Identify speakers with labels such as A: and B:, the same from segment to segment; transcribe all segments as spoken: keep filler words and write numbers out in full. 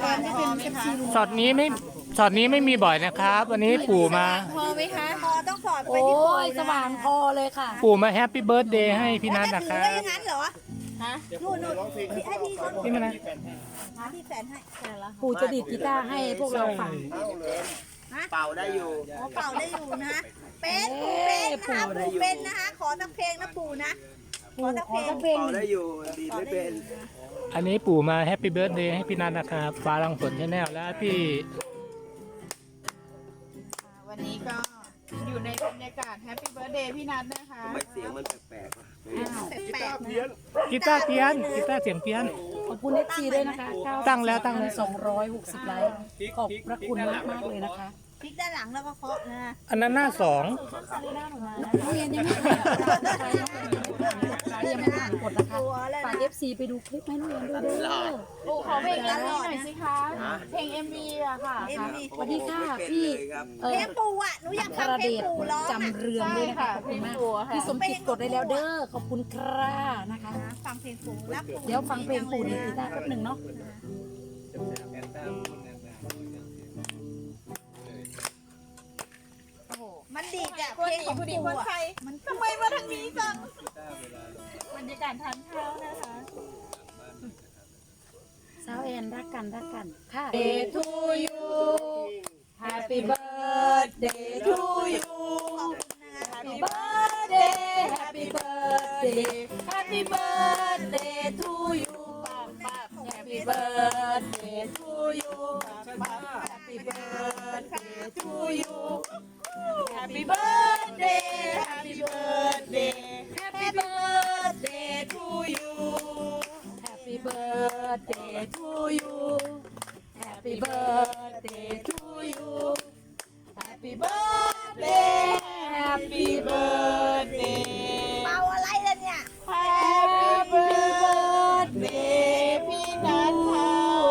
A: านก็เป็นเอฟซีลุง
B: ช็อตนี้ไม่ช็อตนี้ไม่มีบ่อยนะครับ วันนี้ปู่มา
A: พอไหมคะ
C: พอต้องสอดไป
D: โอ้
C: ที่ปู
D: ยสว่างพอเลยค่ะ
B: ปู่มาแฮปปี้เบิร์ดเดย์ให้พี่นัท
C: จะ
B: นะค
C: ถือ
B: รับ
C: ไว้อย่างนั้นเหรอ
A: ฮะ
C: นู่นนู่นให้พี่เขา
B: พี่มานะ
C: หาที่แฟนให้
D: ปู่จะดีดกีตาร์ให้พวกเราฟัง
E: เป่าได้อยู่
C: อ๋อเป่าได้อยู่นะ เป็นปูเป็นนะคะปูเป็นนะคะขอสักเพลงนะปูนะขอสักเพลง
D: เพลง
E: เป่าได้อยู่ ดีไม่เป็น
B: อันนี้ปู่มาแฮปปี้เบิร์ดเดย์ให้พี่นัทนะครับฟ้ารังฝนชาแนลและพี่
A: วันนี้ก็อยู่ในบรรยากาศแฮปปี้เบิร์ดเดย์พี่นัทนะคะ
E: ทำไมเสียงมันแปลกๆวะ
C: แปลกๆนะ
B: กีตาร์เพี้ยนกีตาร์เสียงเพี้ยน
D: ขอบคุณเอฟซีด้วยนะคะ
B: ตั้งแล้วตั้งแล้ว
D: สองร้อยหกสิบไลค์ขอบพระคุณมากมากๆเลยนะคะ
C: พลิกด้านหลังแล้วก็เคาะนะ
B: อันนั้นหน้าสอง
D: นักเรียนยังไม่ผ่านกฎนะคะยังไม่ผ่านกฎนะคะฝากเอฟซีไปดูคลิปให้นักเรียนด้วยเด้อ
A: ปู่ขอเพลงเอ็มวีหน่อยสิคะ เพลงเอ็มวีอะค่ะ
C: เอ็มวี
D: สวัสดีค่ะพี่เอ
C: เพล
D: อง
C: ปูอ่ะหนูอยาก
D: คา
C: ฟัง
D: รา
C: เพล
D: เด
C: ง
D: ช
C: ปูร้อง
D: จำเรืองด้วยนะคะขอบคุณมากพี่สมจิตกดได้แล้วเด้อขอบคุณครับนะคะ
C: ฟังเพลงปูแล้วปู
D: เดี๋ยวฟังเพลงปู่ดีกีตาร์แป๊บหนึ่งเนาะ
C: มันดีดอ่ะ
A: คน
C: เพลง
A: ดี
C: ของ
A: ผู้ดี
C: ปู
A: คนไท
C: อ่ะ
A: ย
C: มันทำไมมาทางนี้จัง
A: บรรยากาศทานข้าวนะคะ
D: สาวแอนรักกันรักกันค่ะ
A: Day to you Happy birthday to you Happy birthday Happy birthday Happy birthday to you ปั๊บปั๊บ Happy birthday to you ปั๊บปั๊บ Happy birthday to you Happy birthday Happy birthday Happy birthday to you
D: Happy birthday to you Happy birthday to you
A: Happy birthday Happy birthday
C: เมาอะไรล่ะเนี่ย
A: Happy birthday พี่นัทค่ะ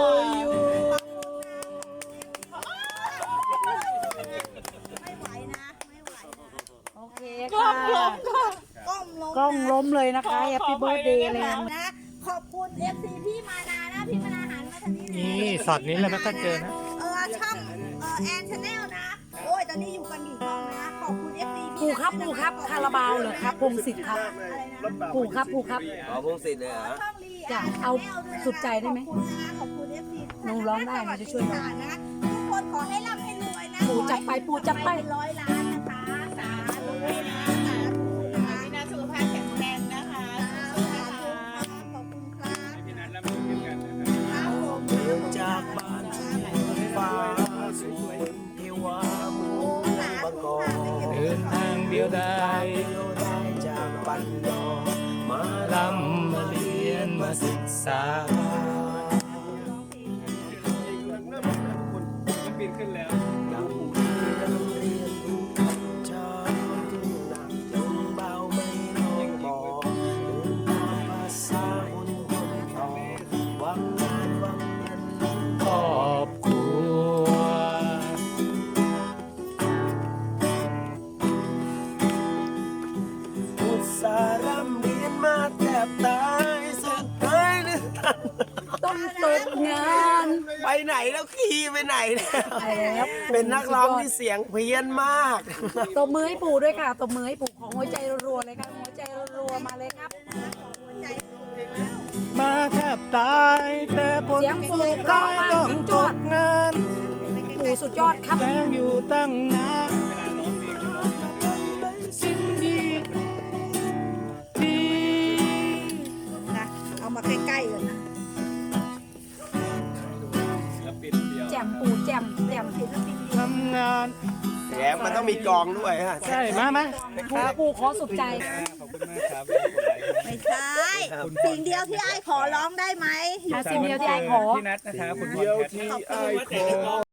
C: ไม่ไหวนะไม่ไหวนะ
D: โอเค
A: กล้อ
D: ค่ะ
A: งล้มค่ะ
C: ก้มลง
D: กล้องล้มเลยนะคะ Happy birthday เลย
C: นะนะขอบคุณเอฟซีพี่มานานะพี่มานาหันมาทางนี้นะ
B: นี่ช็อตนี้เราไม่ค่อยเจอนะ
C: เออช่องเออแอนชาแนลนะโอ้ยตอนนี้อยู่กันกี่ช่องนะขอบคุณเอฟซี
D: ปู่ครับปู่ครับคาราบาวเหรอครับพงศิษฐ์ครับ
C: อะไรนะ
D: ปู่ครับปู่ครับ
E: ขอพงศิษฐ์เลยเหรอ
C: ช่องลี
D: จะเอาสุดใจได้ไหม
C: ขอบคุณนะขอบคุณเอฟซี
D: หนูร้องได้หนูจะช่วยร้อง
C: นะทุกคนขอให้ร่ำให้รวยนะ
D: ปู่จัดไปปู่จัดไป
C: ร้อยล้านนะคะสาธุนะสาธุนะคะ
A: พี่นัทสุขภาพแข็งแรงนะคะ
C: ขอบคุณครับครับผม
E: เดินจากบ้านฟ้าสวยเทวามูบังกอ
B: เดินทางเดียวได้
E: เดียวได้จากปันนอมา
B: ลำมาเรียนมาศึกษา
E: ดังผู้ที่ดังเรียนรู้ชาวทุ่งนาลงเบาไม่ลองบอกเดินตามภาษาคนคนต่อหวังงานหวังเงินลง
B: ครอบครัว
E: อุตสาห์ร่ำเรียนมาแทบตายสุดท้ายนึกทัน
D: ต้องตกงาน
E: ไปไหนแล้วขี่ไปไหนแล้ว
D: ไปแล้ว
E: เป็นนักร้องที่เสียงเพี้ยนมาก
D: ตบมือให้ปู่ด้วยค่ะตบมือให้ปู่ของหัวใจรัวๆเลยค่ะหัวใจรัวๆมาเลยครับ
B: มาแทบตายแต่ผล
D: เสียงปู่
B: สุด
D: เพราะ
B: ท้าย
D: มาก
B: ต้อง
D: ถึง
B: จ
D: จอด
B: บงาน
D: ปู่สุดยอดครับ
B: แล้วอยู่ตั้งนานสิ่งดีที่
C: นะเอามาใกล้ๆเลยนะ
D: แจ่มปู่แจ่มแจ่ม
B: ทำงาน
E: แถมมันต้องมีกองด้วยฮะ
B: ใช่มาไหม
D: ปู่ปู่ขอสุดใจ
C: ไม่ใช่ สิ่งเดียวที่ไอ้ขอร้องได้ไหม
D: อาสิ่งเดียวที่ไอ้ขอ
B: พี่นัทนะครับคุณ
E: เดียวที่ไอ้ขอ